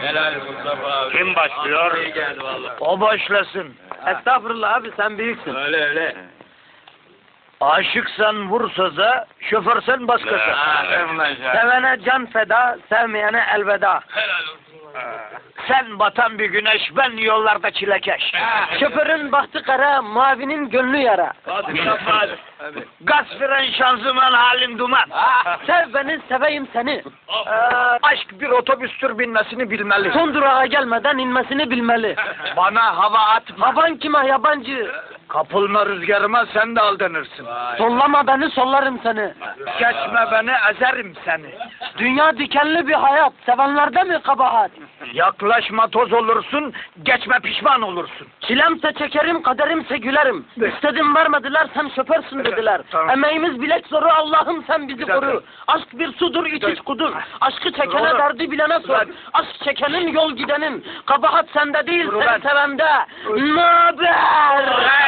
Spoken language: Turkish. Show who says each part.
Speaker 1: Helal Mustafa abi.
Speaker 2: Kim başlıyor?
Speaker 1: İyi geldi valla.
Speaker 3: O başlasın.
Speaker 4: Estağfurullah abi, sen büyüksün.
Speaker 1: Öyle öyle.
Speaker 3: Aşıksan vur söze, şoförsen bas gaza.
Speaker 4: Sevene can feda, sevmeyene elveda.
Speaker 1: Helal olsun.
Speaker 3: Sen batan bir güneş, ben yollarda çilekeş.
Speaker 4: Şoförün bahtı kara, mavinin gönlü yara.
Speaker 1: Hadi Mustafa abi.
Speaker 3: Gaz fren şanzıman halin duman.
Speaker 4: Sev beni, seveyim seni.
Speaker 3: Aşk bir otobüstür binmesini bilmeli.
Speaker 4: Son durağa gelmeden inmesini bilmeli.
Speaker 3: Bana hava atma.
Speaker 4: Havan kime yabancı?
Speaker 3: Kapılma rüzgarıma sen de aldanırsın.
Speaker 4: Sollama beni, sollarım seni.
Speaker 3: Geçme beni ezerim seni.
Speaker 4: Dünya dikenli bir hayat, sevenlerde mi kabahat?
Speaker 3: Yaklaşma toz olursun, geçme pişman olursun.
Speaker 4: Çilemse çekerim, kaderimse gülerim. İstedim vermediler, sen şoförsün dediler.
Speaker 3: Tamam.
Speaker 4: Emeğimiz bilek zoru, Allah'ım sen bizi
Speaker 3: dakika.
Speaker 4: koru. Aşk bir sudur, iç iç kudur. Aşkı çekene
Speaker 3: Doğru.
Speaker 4: derdi bilene sor.
Speaker 3: Ulan.
Speaker 4: Aşk çekenin yol gidenin. Kabahat sende değil,
Speaker 3: Dur
Speaker 4: sen
Speaker 3: ulan.
Speaker 4: sevende.
Speaker 3: Dur.
Speaker 4: Naber?